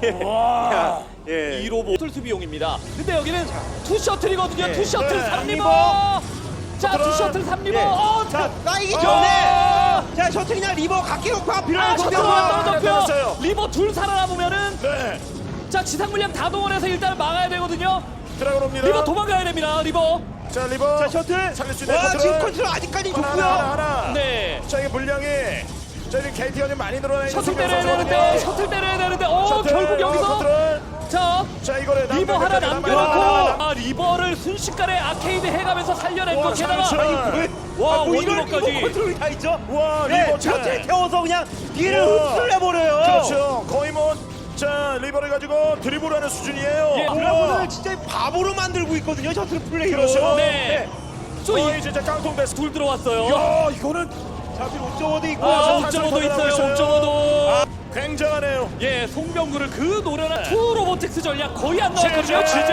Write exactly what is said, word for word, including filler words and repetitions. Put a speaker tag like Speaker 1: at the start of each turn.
Speaker 1: 와.
Speaker 2: 예.
Speaker 1: 이 로봇 수비용입니다. 근데 여기는 투 셔틀이거든요.
Speaker 2: 예.
Speaker 1: 투 셔틀
Speaker 3: 네.
Speaker 1: 삼 리버.
Speaker 3: 리버.
Speaker 1: 자, 투 셔틀 삼 리버.
Speaker 2: 예.
Speaker 1: 어,
Speaker 3: 자,
Speaker 2: 나이기
Speaker 1: 어!
Speaker 2: 전에 자 셔틀이나 리버 각기로가
Speaker 1: 아,
Speaker 2: 필요한
Speaker 1: 셔틀
Speaker 2: 공격만
Speaker 1: 하나
Speaker 3: 떨어졌어요.
Speaker 1: 떨어졌고요. 리버 둘 살아남으면은
Speaker 3: 네.
Speaker 1: 자, 지상 물량 다 동원해서 일단 막아야 되거든요.
Speaker 3: 들어갑니다.
Speaker 1: 리버 도망가야 됩니다. 리버.
Speaker 3: 자, 리버.
Speaker 2: 자 셔틀
Speaker 3: 살릴 수 있는
Speaker 2: 와
Speaker 3: 컨트롤.
Speaker 2: 지금 컨트롤 아직까지
Speaker 3: 하나,
Speaker 2: 좋고요.
Speaker 3: 하나, 하나.
Speaker 1: 네.
Speaker 3: 자, 이게 물량이 자, 이제 케이티가 좀 많이 늘어나 있는
Speaker 1: 셔틀
Speaker 3: 송병
Speaker 1: 때려야
Speaker 3: 선수거든요.
Speaker 1: 되는데, 셔틀 때려야 되는데, 어,
Speaker 3: 셔틀,
Speaker 1: 결국
Speaker 3: 어,
Speaker 1: 여기서
Speaker 3: 컨트롤.
Speaker 1: 자,
Speaker 3: 자, 이거를
Speaker 1: 리버
Speaker 3: 남겨,
Speaker 1: 하나
Speaker 3: 남겨, 남겨,
Speaker 1: 남겨놓고
Speaker 3: 남겨, 남겨.
Speaker 1: 아, 리버를 순식간에 아케이드 해가면서 살려낸 거
Speaker 3: 와,
Speaker 1: 게다가
Speaker 3: 삼천.
Speaker 2: 왜?
Speaker 1: 와,
Speaker 2: 아, 뭐 이런
Speaker 1: 원리버까지.
Speaker 2: 리버 컨트롤이 다 있죠.
Speaker 3: 와,
Speaker 2: 네,
Speaker 3: 리버
Speaker 2: 셔틀
Speaker 3: 차.
Speaker 2: 태워서 그냥 뒤를
Speaker 3: 우와.
Speaker 2: 흡수를 해버려요.
Speaker 3: 그렇죠. 거의 뭐 자, 리버를 가지고 드리블하는 수준이에요.
Speaker 1: 예,
Speaker 3: 우와.
Speaker 2: 드라군을 진짜 바보로 만들고 있거든요. 셔틀 플레이로.
Speaker 3: 그렇죠.
Speaker 1: 네. 저
Speaker 3: 거의
Speaker 1: 이,
Speaker 3: 진짜 깡통 베스트.
Speaker 1: 둘 들어왔어요.
Speaker 3: 야, 이거는
Speaker 2: 자, 뒤로 옥저워도 있고.
Speaker 1: 아,
Speaker 3: 자,
Speaker 1: 옥저버도
Speaker 3: 탈출
Speaker 1: 있어요.
Speaker 3: 있어요.
Speaker 1: 옥저버도.
Speaker 3: 아, 굉장하네요.
Speaker 1: 예, 송병구를 그 노련한 투 로보틱스 전략 거의 안 나왔거든요.
Speaker 3: 진짜.
Speaker 1: 진짜.